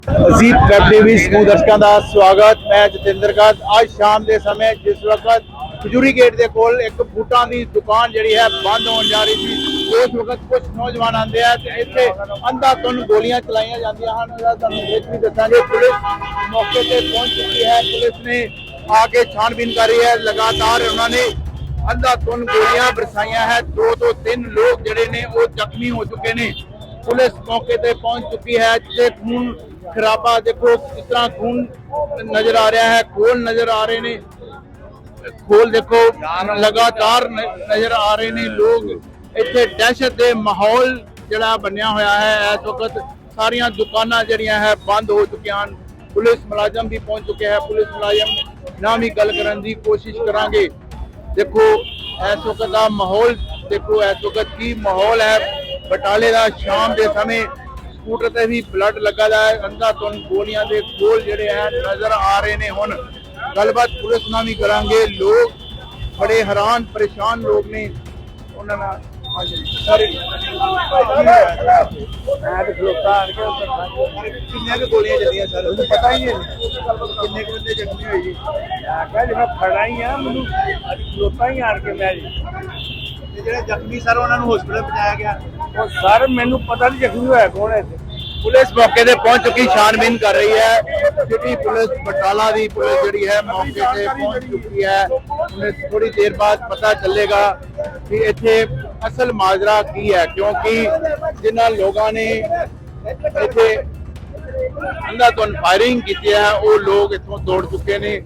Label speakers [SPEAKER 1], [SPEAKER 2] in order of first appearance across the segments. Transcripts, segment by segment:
[SPEAKER 1] अजीब web TV समूह दर्शकों का स्वागत। मैं जतिंदर गर्ग। आज शाम के समय जिस वक्त खजूरी गेट के कोल एक बूटा की दुकान जी है बंद होने जा रही थी, उस वक्त कुछ नौजवान आते हैं तो इतने अंधाधुंध गोलियां चलाइया जांदियां हन। भी दसांगे पुलिस मौके पर पहुंच चुकी है। पुलिस ने आके छानबीन कर रही है। लगातार उन्होंने अंधाधुंध गोलियां बरसाइया है। 2 तो 3 लोग जड़े ने वो जख्मी हो चुके हैं। पुलिस मौके पर पहुंच चुकी है। खून खराबा देखो, किस तरह खून नजर आ रहा है, खोल नजर आ रहे ने, खोल देखो लगातार नजर आ रहे ने। लोग इतने दहशत के माहौल जड़ा बनया होया है। इस वक्त सारिया दुकाना जड़ियां है बंद हो चुकी हैं। पुलिस मुलाजम भी पहुंच चुके हैं। पुलिस मुलाजम ना भी गल करने की कोशिश करांगे। देखो इस वक्त का माहौल देखो, इस वक्त की माहौल है बटाले का। शाम के समय स्कूटर ते भी ब्लड लगा है। अंधाधुंध गोलियां के गोल जड़े हैं नजर आ रहे ने। हुण गलबात पुलिस ना भी करांगे। लोग बड़े हैरान परेशान लोग ने। गोलियां चलियां सर, पता ही नहीं किन्ने बंदे जख्मी हुए जी।
[SPEAKER 2] फड़ा ही है मैं खलोता ही आन के मैं
[SPEAKER 1] ਜਿਹੜੇ ਜ਼ਖਮੀ ਸਰ ਉਹਨਾਂ ਨੂੰ ਹਸਪੀਟਲ ਪਹੁੰਚਾਇਆ ਗਿਆ।
[SPEAKER 2] सर मैनू पता नहीं जख्मी होया कौन है।
[SPEAKER 1] पुलिस मौके पे पहुंच चुकी, छानबीन कर रही है। सिटी पुलिस बटाला की पुलिस जी है मौके पे पहुंच चुकी है। उन्हें थोड़ी देर बाद पता चलेगा कि इत्थे असल माजरा की है, क्योंकि जिन्होंने लोगों ने इत्थे अंधाधुंध फायरिंग की है वो लोग इत्थों दौड़ चुके ने।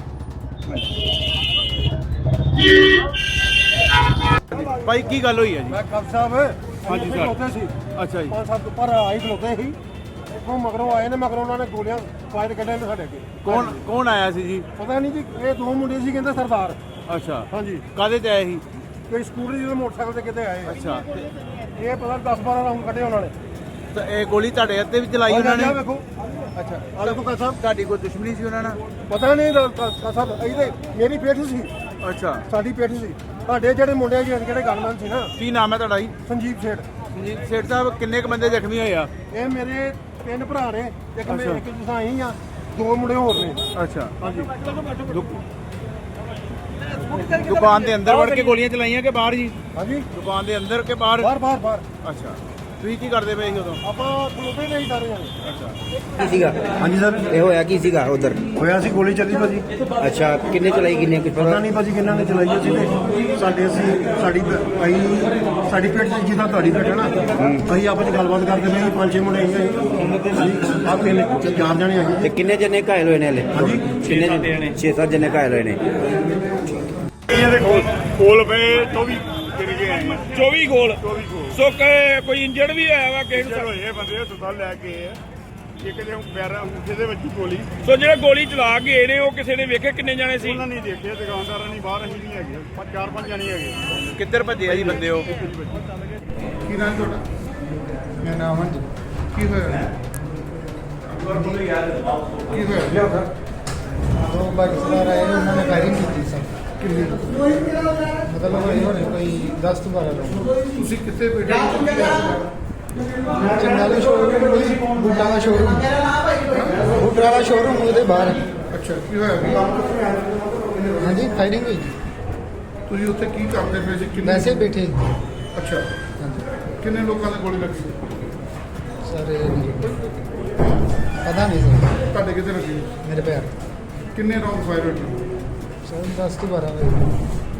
[SPEAKER 1] भाई की गल हुई है जी?
[SPEAKER 3] मैं कब साहब
[SPEAKER 1] हाँ जी सर।
[SPEAKER 3] खलोते सी
[SPEAKER 1] अच्छा जी।
[SPEAKER 3] 5-7 ऊपर आई खलोते ही। इतों मगरों आए ने, मगरों उन्होंने गोलियां फायर कढ़े ने साडे अगे।
[SPEAKER 1] कौन आया सी जी?
[SPEAKER 3] पता नहीं जी, ये 2 मुंडे सी कहंदे सरदार।
[SPEAKER 1] अच्छा,
[SPEAKER 3] हाँ जी,
[SPEAKER 1] कादे ते आए ही?
[SPEAKER 3] कोई स्कूटर जी मोटरसाइकिल ते किते आए।
[SPEAKER 1] अच्छा,
[SPEAKER 3] ये पता 10-12 राउंड कढ़े उन्होंने।
[SPEAKER 1] तो ये गोली ਤੁਹਾਡੇ ਹੱਥੇ ਵੀ ਚਲਾਈ ਉਹਨਾਂ ਨੇ?
[SPEAKER 3] देखो
[SPEAKER 1] अच्छा,
[SPEAKER 3] आ देखो का साहब,
[SPEAKER 1] ਤੁਹਾਡੀ ਕੋਈ ਦੁਸ਼ਮਣੀ ਸੀ ਉਹਨਾਂ ਨਾਲ?
[SPEAKER 3] पता नहीं का साहब ਇਹਦੇ ਮੇਰੀ ਪੇਠ ਸੀ,
[SPEAKER 1] ਅੱਛਾ,
[SPEAKER 3] ਸਾਡੀ ਪੇਠ ਸੀ। ਸਾਡੇ ਜਿਹੜੇ ਮੁੰਡੇ ਜਿਹੜੇ ਗਨਮੈਨ ਸੀ ਨਾ,
[SPEAKER 1] ਕੀ ਨਾਮ ਹੈ ਤੁਹਾਡਾ ਜੀ?
[SPEAKER 3] ਸੰਜੀਵ ਸੇਠ।
[SPEAKER 1] ਸੰਜੀਤ ਸੇਠ ਸਾਹਿਬ, ਕਿੰਨੇ ਕ ਬੰਦੇ ਜ਼ਖਮੀ ਹੋਏ ਆ?
[SPEAKER 3] ਇਹ ਮੇਰੇ 3 ਭਰਾ ਨੇ, ਇੱਕ
[SPEAKER 1] ਅੱਛਾ।
[SPEAKER 3] ਇੱਕ ਜਸਾਈ ਆ, 2 ਮੁੰਡੇ ਹੋਰ ਨੇ।
[SPEAKER 1] ਅੱਛਾ,
[SPEAKER 3] ਹਾਂਜੀ,
[SPEAKER 1] ਦੁਕਾਨ ਦੇ ਅੰਦਰ ਵੜ ਕੇ ਗੋਲੀਆਂ ਚਲਾਈਆਂ ਕਿ ਬਾਹਰ ਜੀ?
[SPEAKER 3] ਹਾਂਜੀ,
[SPEAKER 1] ਦੁਕਾਨ ਦੇ ਅੰਦਰ ਕਿ ਬਾਹਰ?
[SPEAKER 3] ਬਾਹਰ
[SPEAKER 1] ਅੱਛਾ, ਤੁਸੀਂ ਕੀ ਕਰਦੇ ਪਏ ਸੀ ਉਦੋਂ?
[SPEAKER 3] ਆਪਾਂ ਖਲੋਤੇ ਨਹੀਂ ਸਾਰੇ ਜਾਣੇ।
[SPEAKER 1] ਅੱਛਾ,
[SPEAKER 4] ਕੀ ਸੀਗਾ?
[SPEAKER 5] ਹਾਂਜੀ ਸਰ,
[SPEAKER 4] ਇਹ ਹੋਇਆ ਕੀ ਸੀਗਾ ਉਧਰ?
[SPEAKER 5] ਹੋਇਆ ਸੀ ਗੋਲੀ ਚੱਲੀ ਭਾਜੀ।
[SPEAKER 4] ਅੱਛਾ, ਕਿੰਨੇ ਚਲਾਈ, ਕਿੰਨੇ ਕੁਝ
[SPEAKER 5] ਪਤਾ ਨਹੀਂ ਭਾਜੀ ਕਿੰਨਾਂ ਨੇ ਚਲਾਈ ਸੀ ਤੇ ਸਾਡੀ ਪੇਟ ਚ ਜਿੱਦਾਂ ਤੁਹਾਡੀ ਪੇਟ ਹੈ ਨਾ, ਅਸੀਂ ਆਪਸ ਚ ਗੱਲਬਾਤ ਕਰਦੇ ਪਏ ਸੀ। 5-6 ਮੁੰਡੇ ਆਏ ਆਪ ਕਿੰਨੇ 4 ਜਣੇ ਹੈਗੇ
[SPEAKER 4] ਤੇ ਕਿੰਨੇ ਜਣੇ ਘਾਇਲ ਹੋਏ ਨੇ ਹਲੇ?
[SPEAKER 5] ਹਾਂਜੀ,
[SPEAKER 4] ਕਿੰਨੇ ਜਣੇ? 6-7 ਜਣੇ ਘਾਇਲ ਹੋਏ ਨੇ।
[SPEAKER 2] ਇਹਦੇ ਕੋਲ ਪਏ 24 ਗਿਰ ਗਏ 24 ਗੋਲ। ਸੋ ਕੋਈ ਇੰਜਰਡ ਵੀ ਹੋਇਆ ਵਾ ਕਿਸੇ ਨੂੰ?
[SPEAKER 6] ਹੋਏ ਬੰਦੇ ਹਸਪਤਾਲ ਲੈ ਕੇ ਆ। ਇੱਕ ਦੇ ਪੈਰਾਂ ਅੰਗੂਠੇ ਦੇ ਵਿੱਚ ਗੋਲੀ।
[SPEAKER 2] ਸੋ ਜਿਹੜੇ ਗੋਲੀ ਚਲਾ ਗਏ ਨੇ ਉਹ ਕਿਸੇ ਨੇ ਵੇਖੇ ਕਿੰਨੇ ਜਾਣੇ ਸੀ?
[SPEAKER 6] ਉਹਨਾਂ ਨੇ ਦੇਖਿਆ, ਦੁਕਾਨਦਾਰਾਂ ਨੇ ਬਾਹਰ, ਅਸੀਂ ਨਹੀਂ ਹੈਗੇ। 4-5 ਜਣੇ ਹੈਗੇ।
[SPEAKER 1] ਕਿੱਧਰ ਭੱਜੇ ਆ ਜੀ ਬੰਦੇ ਉਹ?
[SPEAKER 3] ਕੀ ਨਾਮ ਤੁਹਾਡਾ? ਮੇਰਾ ਨਾਮ ਅਮਨ ਜੀ। ਕੀ ਹੋਇਆ? ਕੀ ਹੋਇਆ?
[SPEAKER 7] ਦੋ ਪਾਕਿਸਤਾਨ ਆਏ ਨੇ, ਉਹਨਾਂ ਨੇ ਫਾਇਰਿੰਗ ਕੀਤੀ ਸਰ।
[SPEAKER 3] ਕਿੰਨੀ?
[SPEAKER 7] ਮਤਲਬ ਕੋਈ 10-12 ਲੋਕ।
[SPEAKER 3] ਤੁਸੀਂ ਕਿੱਥੇ ਬੈਠੇ?
[SPEAKER 7] ਚੰਗਾ ਦਾ ਸ਼ੋਰੂਮ, ਬੂਟਾਂ ਦਾ ਸ਼ੋਰੂਮ, ਬੂਟਾਂ ਦਾ ਸ਼ੋਰੂਮ ਉਹਦੇ ਬਾਹਰ।
[SPEAKER 3] ਅੱਛਾ, ਕੀ ਹੋਇਆ?
[SPEAKER 7] ਹਾਂਜੀ, ਫਾਇਰਿੰਗ ਹੋਈ।
[SPEAKER 3] ਤੁਸੀਂ ਉੱਥੇ ਕੀ ਕਰਦੇ ਪਏ ਸੀ?
[SPEAKER 7] ਵੈਸੇ ਹੀ ਬੈਠੇ।
[SPEAKER 3] ਅੱਛਾ,
[SPEAKER 7] ਹਾਂਜੀ
[SPEAKER 3] ਕਿੰਨੇ ਲੋਕਾਂ ਦੇ ਗੋਲੀ ਲੱਗੀ?
[SPEAKER 7] ਸਰ, ਪਤਾ ਨਹੀਂ ਸਰ,
[SPEAKER 3] ਤੁਹਾਡੇ ਕਿੱਥੇ ਲੱਗੀ?
[SPEAKER 7] ਮੇਰੇ ਪੈਰ।
[SPEAKER 3] ਕਿੰਨੇ ਰਾਉਂਡ ਫਾਇਰ ਹੋਏ?
[SPEAKER 7] ਸਰ 10-12 ਵਜੇ।